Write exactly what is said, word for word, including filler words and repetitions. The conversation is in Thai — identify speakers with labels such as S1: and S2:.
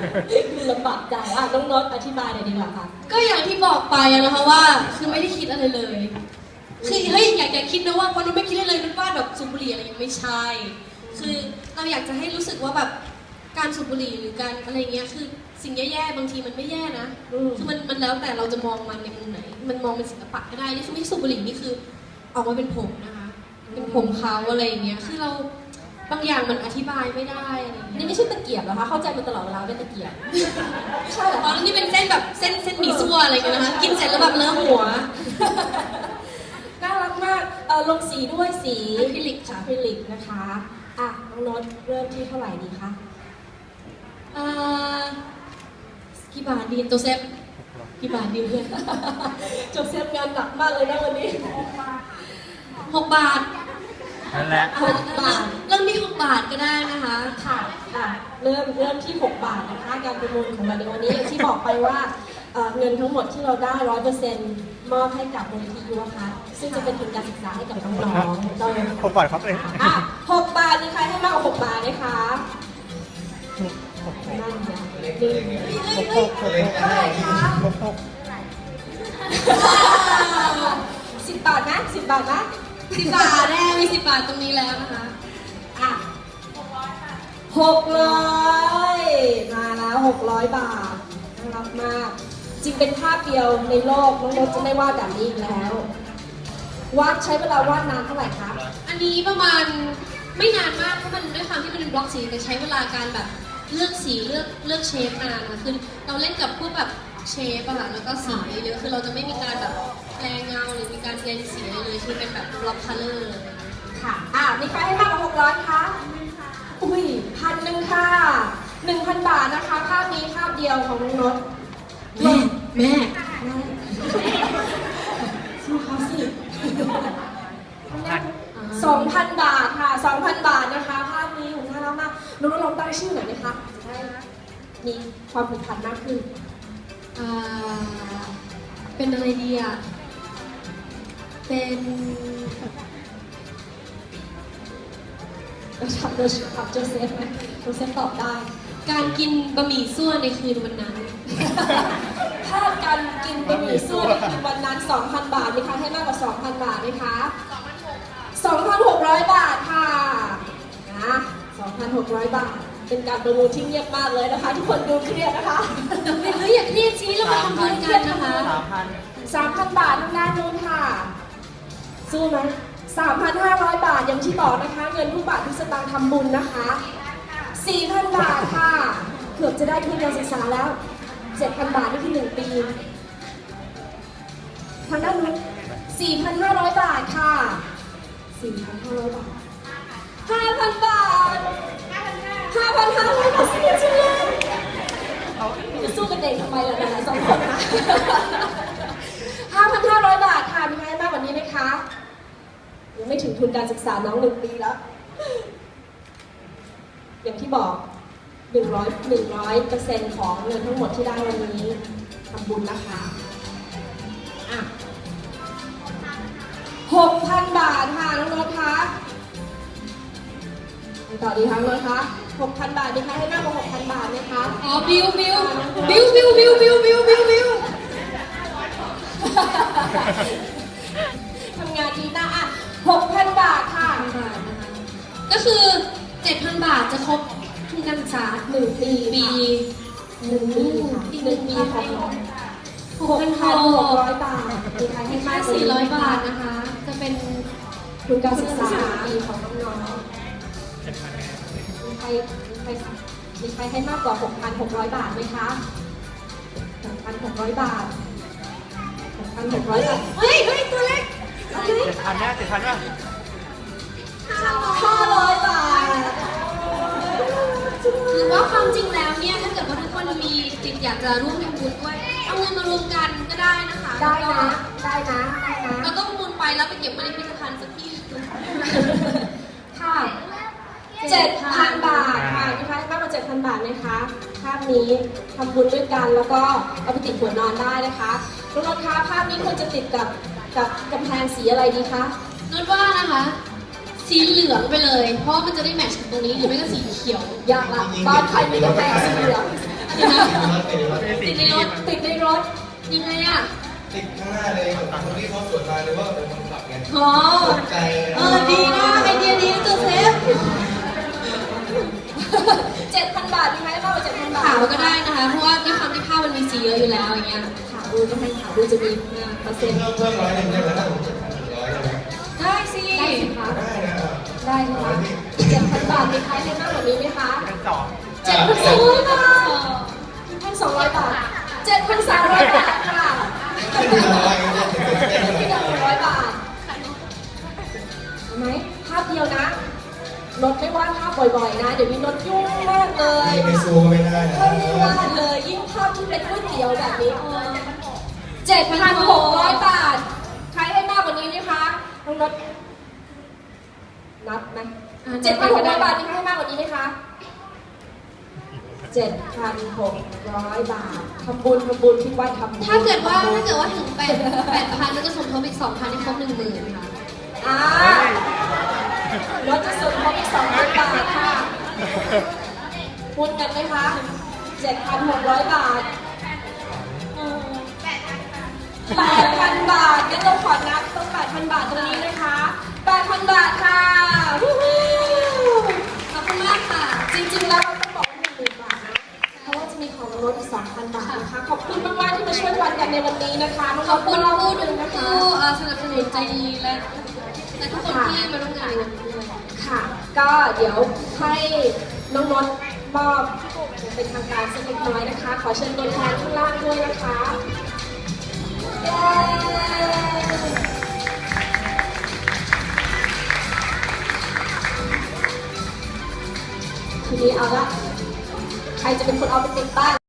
S1: ลำบากใจอ่ะน้องโน้ตอธิบายหน่อยดีกว่าค่ะ
S2: ก็อย่างที่บอกไปนะคะว่าคือไม่ได้คิดอะไรเลยคือเฮ้ยอยากอยากคิดนะว่าวันนู้นไม่คิดอะไรเลยนึกว่าแบบสูบบุหรี่อะไรยังไม่ใช่คือเราอยากจะให้รู้สึกว่าแบบการสูบบุหรี่หรือการอะไรเงี้ยคือสิ่งแย่ๆบางทีมันไม่แย่นะคือมันมันแล้วแต่เราจะมองมันในมุมไหนมันมองเป็นศิลปะก็ได้นี่คือไม่สูบบุหรี่นี่คือออกมาเป็นผมนะคะเป็นผมเขาอะไรอย่างเงี้ยคือเราบางอย่างมันอธิบายไม่ได้อะไรอย่างเงี้ย
S1: นี่ไม่ใช่ตะเกียบเหรอคะเข้าใจมาตลอดเวลาเป็นตะเกียบใช่เหรอ
S2: อ๋อนี่เป็นเส้นแบบเส้นเส้นหมี่ซั่วอะไรกันนะคะกินเสร็จแล้วแบบเลอะหัว
S1: น่ารักมากเออลงสีด้วยสี
S2: อะคริลิกค่ะ
S1: อะคริลิกนะคะอ่ะน้องโน้ตเริ่มที่เท่าไหร่ดีคะ
S2: อ่ากี่บาทดีโจเซฟกี่บาทดีเพื่อน
S1: โจเซฟงานหนักมากเลยนะวันนี้
S2: หกบาท
S3: นั่นแหละ
S1: หกบาท
S2: เริ่มที่หกบาทก็ได้นะคะ
S1: ค่ะอ่ะเริ่มเริ่มที่หกบาทนะคะการประมูลของเราในวันนี้อย่างที่บอกไปว่าเงินทั้งหมดที่เราได้ร้อยเปอร์เซ็นต์มอบให้กับมูลนิธิยุวคะซึ่งจะเป็นทุนการศึกษาให้กับน้องๆเรา
S3: หกบาทครับเอง
S1: อ่ะหกบาทมีใครให้มากกว่าหกบาทไหมคะนั่นไง
S3: หกหกหก
S1: เท่าไหร่คะ
S3: หกหก
S1: สิบบาทนะสิบบาทนะ
S2: สิบบาทแน่มีสิบบาทตรงนี้แล้วนะคะ
S1: อ่ะหกร้อยมาแล้วหกร้อยบาทน่ารักมากจริงเป็นภาพเดียวในโลกน้องโน้ตจะไม่วาดแบบนี้อีกแล้ววาดใช้เวลาวาดนานเท่าไหร่คะ
S2: อันนี้ประมาณไม่นานมากเพราะมันด้วยความที่มันเป็นบล็อกสีแต่ใช้เวลาการแบบเลือกสีเลือกเลือกเชฟนานนะคือเราเล่นกับพวกแบบเชฟอะค่ะแล้วก็สีเยอะคือเราจะไม่มีการแบบแปลงเงาหรือมีการเบลนสีอะไรเลยคือเป็นแบบบล็อกคัลเลอร์
S1: ค่ะอ่ามีใครให้มากกว่าหกร้อยคะอุ้ยพันหนึ่งค่ะหนึ่งพันบาทนะคะภาพนี้ภาพเดียวของน้องโน้ต
S2: แม่แม่
S1: สู้เขาสิสองพันบาทค่ะสองพันบาทนะคะภาพนี้น่ารักมากน้องๆลองตั้งชื่อหน่อยไหมคะจะได้มีความผูกพันมากขึ้น
S2: อ่าเป็นอะไรดีอ่ะเป็น
S1: เราถามโดยถามโจเซฟไหมโจเซฟตอบได้
S2: การกินบะหมี่ซั่วในคืนวันนั้น
S1: ภาพการกินบะหมี่ซั่วในคืนวันนั้น สองพัน บาทมีใครให้มากกว่า สองพัน บาทไหมคะสองพันหกร้อย บาทค่ะนะ สองพันหกร้อย บาทเป็นการประมูลที่เงียบมากเลยนะคะทุกคนดูเครียดนะคะ
S2: เฮ้ยอย่าเครียดชี้เรามาทำบุญกันนะคะ
S1: สามพัน บาททางด้านนู้นค่ะสู้ไหมสามพันห้าร้อย บาทอย่างที่บอกนะคะเงินทุกบาททุกสตางค์ทำบุญนะคะ สี่พัน บาทค่ะเกือบจะได้ทุนการศึกษาแล้ว เจ็ดพัน บาทนี่คือหนึ่งปีทางด้านนู้น สี่พันห้าร้อย บาทค่ะ สี่พันห้าร้อย บาท ห้าพัน บาท ห้าพันห้าร้อย บาทเสียจังเลยจะสู้กันเองทำไมล่ะนะสองคนนะห้าพันห้าร้อย บาทค่ะมีใครมากกว่านี้ไหมคะยังไม่ถึงทุนการศึกษาน้องหนึ่งปีแล้วอย่างที่บอกหนึ่งร้อย หนึ่งร้อยเปอร์เซ็นต์ของเงินทั้งหมดที่ได้วันนี้ทำบุญนะคะอ่ะหกพัน บาทค่ะน้องโน้ตคะต่อดีคะน้องโน้ตคะหกพัน บาทมีใครให้มากกว่า หกพัน บาทไหมคะ
S2: อ๋อบิวบิวบิวบิวบิวบิวบิวบิวบิว
S1: ทำงานดีนะอ่ะ หกพัน บาทค่ะ
S2: ก็คือ เจ็ดพัน บาทจะครบทุนการศึกษา
S1: หนึ่งปี
S2: ปี
S1: หนึ่งปีค่ะหนึ่งปีของน้องหกพันหกร้อย บาทมีใครให้มากกว่า
S2: สี่ร้อย บาทนะคะจะเป็น
S1: ทุนการศึกษาปีของน้องๆมีใครมีใครมีใครให้มากกว่า หกพันหกร้อย บาทไหมคะ หกพันหกร้อย บาท หกพันหกร้อย บาท
S2: เฮ้ยเฮ้ยตัวเล็ก
S3: เจ็ดพันนะเจ็ดพันป่ะ
S1: ห้าร้อย บาท
S2: หรือว่าความจริงแล้วเนี่ยถ้าเกิดว่าทุกคนมีจิตอยากจะร่วมทำบุญด้วยเอาเงินมารวมกันก็ได้นะคะ
S1: ได้นะได้นะได้นะ
S2: เราต้องมูลไปแล้วไปเก็บไว้ในพิพิธภัณฑ์สักที่
S1: ค่ะเจ็ดพัน บาทค่ะมีใครให้มากกว่า เจ็ดพัน บาทไหมคะภาพนี้ทำบุญด้วยกันแล้วก็เอาไปติดหัวนอนได้นะคะน้องๆคะภาพนี้ควรจะติดกับกับกำแพงสีอะไรดีคะ
S2: นนว่านะคะสีเหลืองไปเลยเพราะมันจะได้แมทช์กับตรงนี้หรือไม่ก็สีเขียวย
S1: ากละบ้านใครมีกำแพงสีเหลือง
S2: อันนี้
S1: ถยังไงอ่ะ
S4: ติดข้างหน้าเลยแบบคนที่เขาสวนมาหรือว่าเป็นคนขับไง
S1: อ๋อ
S4: ตกใจ
S1: เออดีนะไอเดียดีนะโจเซฟเจ็ดพันบาทมีไหมเปล่าเจ็ดพันบาท
S2: ขาวก็ได้นะคะ เพราะว่าด้วยความที่ผ้ามันมีสีเยอะอยู่แล้วอย่างเงี้ย
S1: ขาวดูก็ให้ขาวดูจะมีเปอร์เซ็นต์
S4: เพิ่มเพิ่มร้อยหนึ่งได้ไหมถ้าผมเจ็ดพันหนึ่งร้อยได้ไหม
S1: ได้สิได้สิคะ
S4: ได้นะ
S1: ได้ค่ะเจ็ดพันบาทมีใครให้มากกว่านี้ไหมคะ
S3: เป็นสอง
S1: เจ็ดพันสองร้อยบาทเจ็ดพันสองร้อยบาทเจ็ดพันสามร้อยบาทค่ะ
S4: ขึ้นทีละร้อยก็จะเป็นเส้น
S1: ที่
S4: ละ
S1: หนึ่งร้อยบาทเห็นไหมภาพเดียวนะรถไม่วาดภาพบ่อยๆนะ เดี๋ยวนี้รถยุ่งมากเลย
S4: ไปซูไม่ได้นะ
S1: ไม่ได้วาดเลยยิ่งภาพที่เป็นก๋วยเตี๋ยวแบบนี้เจ็ดพันหกร้อยบาท ใครให้มากกว่านี้ไหมคะน้องรถนับไหมเจ็ดพันหกร้อยบาทมีใครให้มากกว่านี้ไหมคะเจ็ดพันหกร้อยบาททำบุญทำบุญที่วัดทำบุญ
S2: ถ้าเกิดว่าถ้าเกิดว่าถึงแปดแปดพันแล้วจะสมทบอีกสองพันให้ครบหนึ่งหมื่นค่ะ
S1: อ่ารถจะส่งเขาอีกสองพันบาทค่ะคุณกันไหมคะเจ็ดพันหกร้อยบาทแปดพันบาทงั้นเราขอนับต้องแปดพันบาทตรงนี้นะคะแปดพันบาทค่ะวู้ฮู้
S2: ขอบคุณมากค่ะ
S1: จริงๆแล้วเราต้องบอกว่าหนึ่งหมื่นบาทนะเพราะว่าจะมีของรถอีกสองพันบาทนะคะขอบคุณมากๆที่มาช่วยวันกันในวันนี้นะคะ
S2: ขอบคุณ
S1: น้องๆ
S2: ผู้
S1: ห
S2: ดู
S1: นึ่งนะคะ
S2: ผู้เอ่อสนับสนุนใจดีและและทุกคนที่มาร่วมงานในวันนี้ด้วย
S1: ค่ะ ก็เดี๋ยวให้น้องนนท์มอบเป็นทางการสักเล็กน้อยนะคะ ขอเชิญตัวแทนข้างล่างด้วยนะคะเย้ทีนี้เอาละใครจะเป็นคนเอาไปติดบ้าน